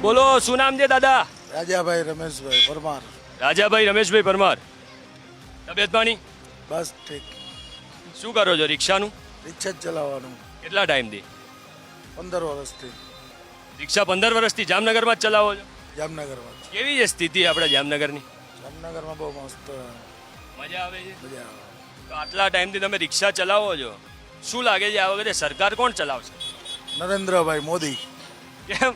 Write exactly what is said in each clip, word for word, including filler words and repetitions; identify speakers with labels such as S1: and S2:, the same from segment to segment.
S1: બોલો શું નામ છે દાદા?
S2: રાજાભાઈ રમેશભાઈ પરમાર.
S1: રાજાભાઈ રમેશભાઈ પરમાર. તબિયત પાણી
S2: બસ ઠીક.
S1: શું કરો છો? રિક્ષાનું
S2: રિક્ષા જ ચલાવવાનું
S1: કેટલા ટાઈમથી?
S2: પંદર વર્ષથી
S1: રિક્ષા પંદર વર્ષથી જામનગરમાં જ ચલાવો છો?
S2: જામનગરમાં.
S1: કેવી છે સ્થિતિ આપણે જામનગરની?
S2: જામનગરમાં બહુ મસ્ત
S1: મજા આવે છે?
S2: મજા આવે.
S1: તો આટલા ટાઈમથી તમે રિક્ષા ચલાવો છો, શું લાગે છે આ વખતે સરકાર કોણ ચલાવશે?
S2: નરેન્દ્રભાઈ મોદી
S1: કેમ?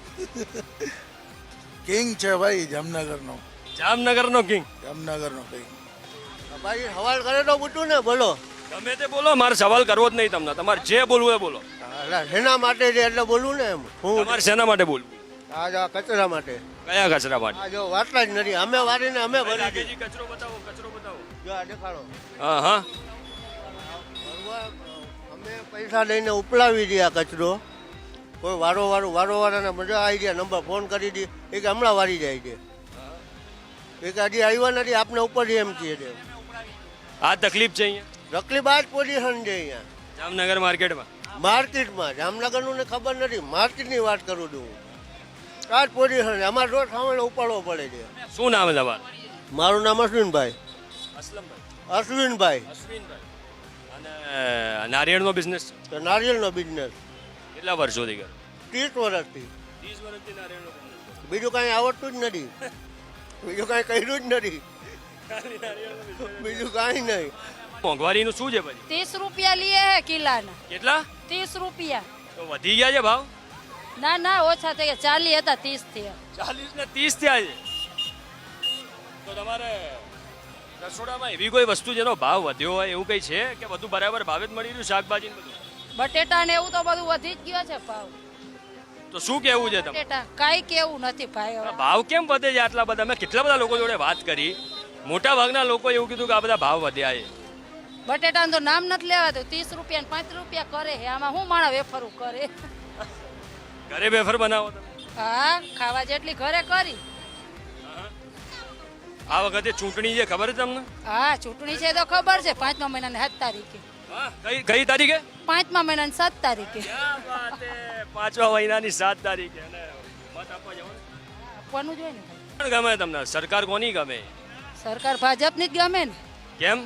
S2: કિંગ છે ભાઈ જામનગરનો.
S1: જામનગરનો કિંગ.
S2: જામનગરનો કિંગ.
S3: ભાઈ સવાલ કરે તો પૂછું ને, બોલો.
S1: તમે તે બોલો, મારે સવાલ કરવો જ નહીં તમને. તમારે જે બોલવું એ બોલો.
S3: એટલે શેના માટે છે એટલે બોલવું ને એમ. હું
S1: તમારે શેના માટે બોલવું?
S3: આ જો કચરા માટે.
S1: કયા કચરા માટે?
S3: આ જો વાટલા જ નથી, અમે વારીને અમે ભરી દીધી.
S1: રાકેશજી, કચરો બતાવો, કચરો બતાવો.
S3: જો આ દેખાડો.
S1: હા હા
S3: ભરવા, અમે પૈસા લઈને ઉપલાવી દઈએ આ કચરો. કોઈ વારો વારો વારો વાળાને મજા આવી ગયા, નંબર ફોન કરી દી એ કે હમણાં વારી જાય છે. એ કે હજી આવ્યા નથી, આપને ઉપર એમ કહે છે.
S1: આ તકલીફ છે અહીંયા
S3: તકલીફ આ જ પોઝિશન છે અહીંયા
S1: જામનગર માર્કેટમાં.
S3: માર્કેટમાં. જામનગરનું ને ખબર નથી, માર્કેટની વાત કરું છું હું. આ જ પોઝિશન છે, અમારે રોજ સામે ઉપાડવો પડે છે.
S1: શું નામ છે તમારું?
S3: મારું નામ અશ્વિનભાઈ.
S1: અસલમભાઈ.
S3: અશ્વિનભાઈ.
S1: અશ્વિનભાઈ. અને નારિયેળનો બિઝનેસ
S3: તો નારિયેળનો બિઝનેસ
S1: કેટલા વર્ષોથી કરો?
S3: ત્રીસ વર્ષથી.
S1: ત્રીસ વર્ષથી નારિયેળનો બિઝનેસ.
S3: બીજું કાંઈ આવડતું જ નથી, બીજું કાંઈ કર્યું જ નથી, બીજું કાંઈ નહીં.
S1: મોંઘવારીનું શું છે પછી?
S4: तीस रुपया लिए है किलाना.
S1: કેટલા?
S4: तीस रुपया.
S1: તો વધી ગયા છે ભાવ?
S4: ના ના ઓછા થઈ ગયા, ચાલી હતા ત્રીસ થયા.
S1: ચાલીસ ને ત્રીસ થયા છે. તો તમારે રસોડામાં એવી કોઈ વસ્તુ જેનો ભાવ વધ્યો હોય એવું કઈ છે કે બધું બરાબર ભાવે જ મળી રહ્યું? શાકભાજી ને બધું?
S4: બટેટા ને એવું તો બધું વધી જ ગયો છે ભાવ.
S1: તો શું કેવું છે તમે?
S4: બટેટા કાંઈ કેવું નથી ભાઈ હવે.
S1: ભાવ કેમ વધે છે આટલા બધા? મેં કેટલા બધા લોકો જોડે વાત કરી, મોટા ભાગના લોકો એવું કીધું કે આ બધા ભાવ વધ્યા છે.
S4: બટેટાનું તો નામ નથી લેવાતું. ત્રીસ રૂપિયા ને પાંત્રીસ રૂપિયા કરે છે, આમાં શું માણસ વેફરું કરે?
S1: ઘરે વેફર બનાવો તમે?
S4: હા, ખાવા જેટલી ઘરે કરી.
S1: આ વખતે ચૂંટણી છે ખબર છે તમને?
S4: હા, ચૂંટણી છે તો ખબર છે. પાંચમા મહિનાની સાત તારીખે.
S1: હા, કઈ કઈ તારીખે?
S4: પાંચમા મહિનાની સાત તારીખે
S1: ક્યાં વાત હે! પાંચમા મહિનાની સાત તારીખે. અને મત આપવા જવાનું?
S4: આપવાનું જોઈએ ને ભાઈ.
S1: કોણ ગમે તમને? સરકાર કોની ગમે?
S4: સરકાર ભાજપની જ ગમે ને.
S1: કેમ?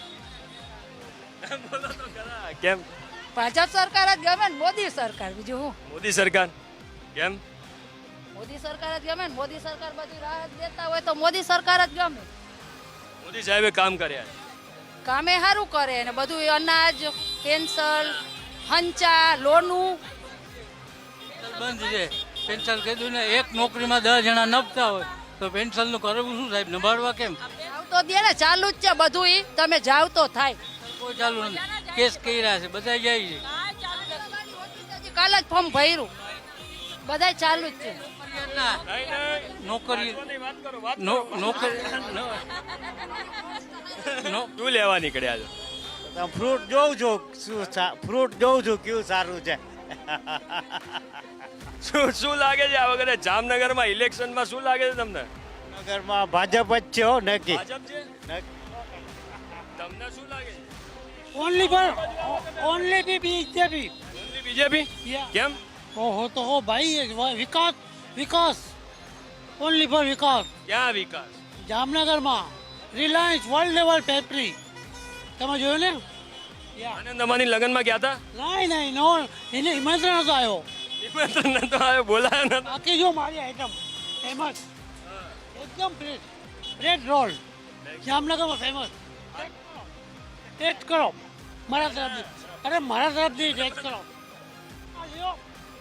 S1: બોલો તો ખરા. કેમ?
S4: ભાજપ સરકાર જ ગમે ને, મોદી સરકાર. બીજું હું?
S1: મોદી સરકાર. કેમ?
S4: મોદી સરકાર જ ગમે ને. મોદી સરકાર બધી રાહત દેતા હોય તો મોદી સરકાર જ ગમે.
S1: મોદી સાહેબે કામ કર્યા.
S4: કામે સારું કરે ને બધું, અનાજ, પેન્શન, હંચા, લોનું.
S5: બંધ છે પેન્શન. કીધું ને એક નોકરીમાં દસ જણા નભતા હોય તો પેન્શનનું કરવું શું સાહેબ? નભાડવા કેમ?
S4: જાવ તો દે ને, ચાલુ જ છે બધું. ઈ તમે જાવ તો થાય.
S5: કોઈ ચાલુ નથી. કેસ કર્યા છે, બધા જાય છે.
S4: હજી કાલે જ ફોર્મ ભર્યું, બધાય ચાલુ જ છે.
S5: નોકરી
S1: વાત કરો, વાત કરો.
S5: નો- નોકરી નો-
S1: શું લેવા નીકળ્યા છો?
S3: ફ્રૂટ જોઉં છું, શું ફ્રૂટ જોઉં છું કેવું સારું છે.
S1: શું શું લાગે છે આ વખતે જામનગરમાં ઇલેક્શનમાં શું લાગે છે તમને?
S3: નગરમાં ભાજપ જ છે હો, નક્કી.
S1: ભાજપ છે? તમને શું લાગે છે?
S5: ઓનલી પર only B BJP.
S1: Only BJP?
S5: Yeah.
S1: કેમ?
S5: ઓહો તો હો ભાઈ, વિકાસ વિકાસ ઓનલી ફોર વિકાસ.
S1: ક્યાં વિકાસ?
S5: જામનગરમાં રિલાયન્સ વર્લ્ડ લેવલ ફેક્ટરી તમે જોયું ને?
S1: આનંદ અમાની લગ્નમાં ગયા હતા?
S5: નહીં નહીં નો, એને નિમંત્રણ નતો આવ્યો.
S1: નિમંત્રણ નતો આવ્યો, બોલાયો નતો.
S5: બાકી જો મારી આઈટમ ફેમસ, એકદમ ફ્રેશ બ્રેડ રોલ જામનગરમાં ફેમસ. ટેસ્ટ કરો મારા તરફથી. અરે મારા તરફથી ટેસ્ટ કરો. આ લ્યો.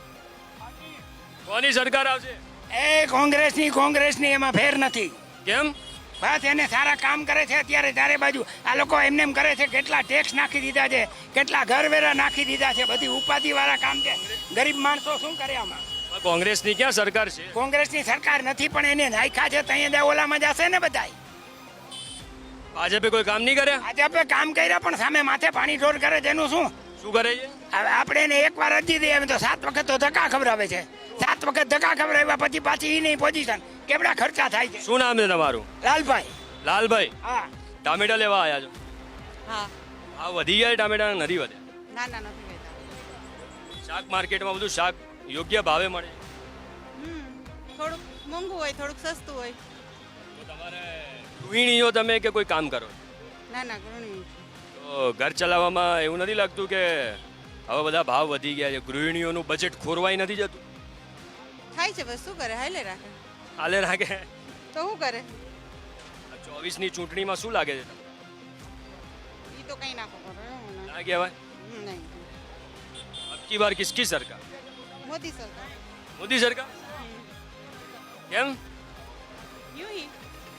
S1: કોની સરકાર આવશે?
S6: એ કોંગ્રેસની કોંગ્રેસની એમાં ફેર નથી.
S1: કેમ?
S6: બસ એને સારા કામ કરે છે અત્યારે ચારે બાજુ. આ લોકો એમને એમ કરે છે, કેટલા ટેક્સ નાખી દીધા છે, કેટલા ઘરવેરા નાખી દીધા છે, બધી ઉપાધિ વાળા કામ છે. ગરીબ માણસો શું કરે આમાં?
S1: આ કોંગ્રેસની ક્યાં સરકાર છે?
S6: કોંગ્રેસની સરકાર નથી, પણ એને નાખ્યા છે તો અહીંયા ઓલામાં જશે ને બધાય.
S1: ભાજપે કોઈ કામ નહીં કર્યા?
S6: આજે આપણે કામ કર્યા પણ સામે માથે પાણી ઢોર કરે છે. એનું શું?
S1: શું કરે છે?
S6: હવે આપણે એને એક વાર અરજી દઈએ તો સાત વખત તો ધક્કા ખવડાવે છે. સાત વખત ધક્કા ખવડાવ્યા પછી પાછી એ નહીં પોઝિશન. કેવડા ખર્ચા થાય છે.
S1: શું નામ છે તમારું?
S6: લાલભાઈ.
S1: લાલભાઈ.
S6: હા.
S1: ટામેટા લેવા આવ્યા છો?
S7: હા.
S1: આ વધી ગયા ટામેટા નથી વધ્યા?
S7: ના ના નથી કહેતા.
S1: શાક માર્કેટમાં બધું શાક યોગ્ય ભાવે મળે?
S7: થોડુંક મોંઘું હોય થોડુંક સસ્તું હોય.
S1: તો તમારે ગૃહિણીઓ તમે કે કોઈ કામ કરો
S7: ના ના ગૃહિણી.
S1: તો ઘર ચલાવવામાં એવું નથી લાગતું કે હવે બધા ભાવ વધી ગયા છે ગૃહિણીઓનું બજેટ ખોરવાઈ નથી જતું
S7: થાય છે બસ શું કરે હાલે રાખે.
S1: હાલે રાખે
S7: તો શું કરે
S1: ચોવીસની ચૂંટણીમાં શું લાગે છે તમને?
S7: એ તો કંઈ ના ખબર હોય.
S1: ના કહેવાય
S7: હમ, નહીં
S1: અબકી બાર કિસકી સરકાર
S7: મોદી સરકાર.
S1: મોદી સરકાર કેમ
S7: યુ હી.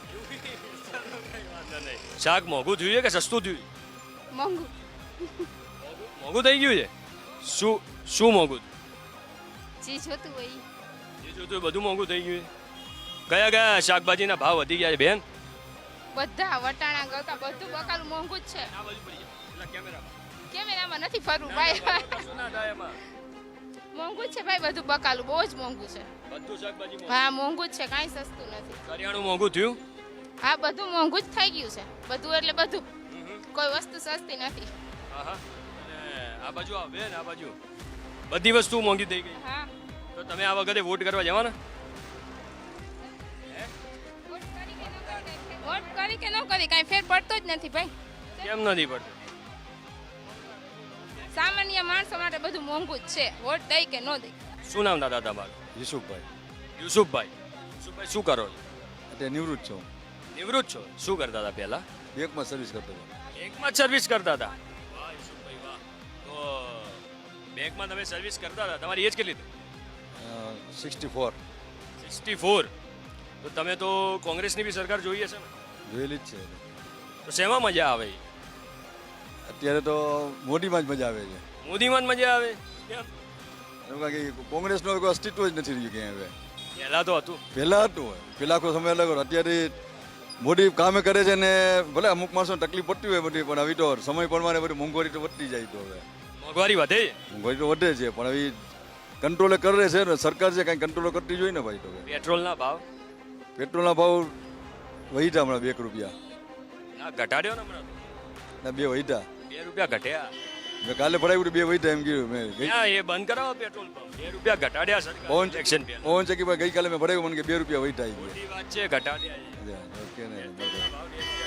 S1: શાક મોંઘું થયું છે કે સસ્તું થયું
S4: મોંઘું
S1: મોંઘું થઈ ગયું છે શું શું મોંઘું
S4: જે જોતું હોય ઈ.
S1: જે જોતું હોય બધું મોંઘું થઈ ગયું છે કયા કયા શાકભાજીના ભાવ વધી ગયા છે બેન
S4: બધા વટાણા ગળકા બધું બકાલું મોંઘું જ છે.
S1: આ બાજુ પડી જાય પેલા કેમેરામાં
S4: કેમેરામાં નથી ફરવું ભાઈ
S1: શું ના થાય એમાં
S4: મોંઘું જ છે ભાઈ બધું બકાલું બહુ જ મોંઘું છે.
S1: બધું શાકભાજી
S4: હા મોંઘું જ છે કાંઈ સસ્તું નથી.
S1: કરિયાણું મોંઘું થયું
S4: હા બધું મોંઘું જ થઈ ગયું છે બધું એટલે બધું કોઈ વસ્તુ સસ્તી નથી.
S1: હા હા અને આ બાજુ આવ બેન આ બાજુ બધી વસ્તુ મોંઘી થઈ ગઈ
S4: હા
S1: તો તમે આ વખતે વોટ કરવા જવાના
S4: વોટ કરી કે ન કરી કાંઈ ફેર પડતો જ નથી ભાઈ.
S1: કેમ નથી પડતું
S4: સામાન્ય માણસો માટે બધું મોંઘું જ છે વોટ દઈ કે ન દઈ.
S1: શું નામ દાદા તમારું
S8: યુસુફભાઈ
S1: યુસુફભાઈ યુસુફભાઈ શું કરો છો
S8: અત્યારે નિવૃત્ત છું
S1: નિવૃત્ત છો શું કરતા હતા પહેલા
S8: બેંકમાં સર્વિસ કરતો હતો
S1: બેંકમાં જ સર્વિસ કરતા હતા વાહ યુસુફભાઈ વાહ તો બેંકમાં તમે સર્વિસ કરતા હતા તમારી એજ કેટલી હતી
S8: સિક્સટી ફોર
S1: સિક્સટી ફોર તો તમે તો કોંગ્રેસની બી સરકાર જોઈએ છે ને
S8: જોયેલી જ છે
S1: તો શેમાં મજા આવે
S8: અત્યારે તો મોદીમાં જ મજા આવે છે
S1: મોદીમાં જ મજા આવે કેમ
S8: એમ કારણ કે કોંગ્રેસનો કોઈ અસ્તિત્વ જ નથી રહ્યું ક્યાંય હવે
S1: પહેલા તો હતું
S8: પહેલાં હતું હોય પહેલાં આખો સમય અલગ હતો અત્યારે મોદી કામે કરે છે ને ભલે અમુક માણસોને તકલીફ પડતી હોય બધી પણ હવે તો સમય પ્રમાણે બધી મોંઘવારી તો વધતી જાય તો હવે
S1: મોંઘવારી વધે છે
S8: મોંઘવારી તો વધે છે પણ હવે કંટ્રોલે કરે છે ને સરકાર છે કાંઈ કંટ્રોલ કરતી જોઈએ ને ભાઈ તો હવે
S1: પેટ્રોલના ભાવ
S8: પેટ્રોલના ભાવ વહીટા હમણાં બે રૂપિયા
S1: ના ઘટાડ્યો ને હમણાં તો.
S8: ના બે વહીટા
S1: બે રૂપિયા ઘટ્યા
S8: મેં કાલે ભરાયું બે વહીટા એમ કીધું મેં ગઈ
S1: ક્યાં એ બંધ કરાવો પેટ્રોલ પંપ બે રૂપિયા ઘટાડ્યા સરકાર
S8: પવન
S1: ઇલેક્શન પહેલા
S8: પવન ચક્કી ગઈકાલે મેં ભરાયું મને કે બે રૂપિયા વહીટા આવી
S1: મોટી વાત છે ઘટાડ્યા છે.
S8: ગયા ઓકે ને બરાબર.
S1: ભાવ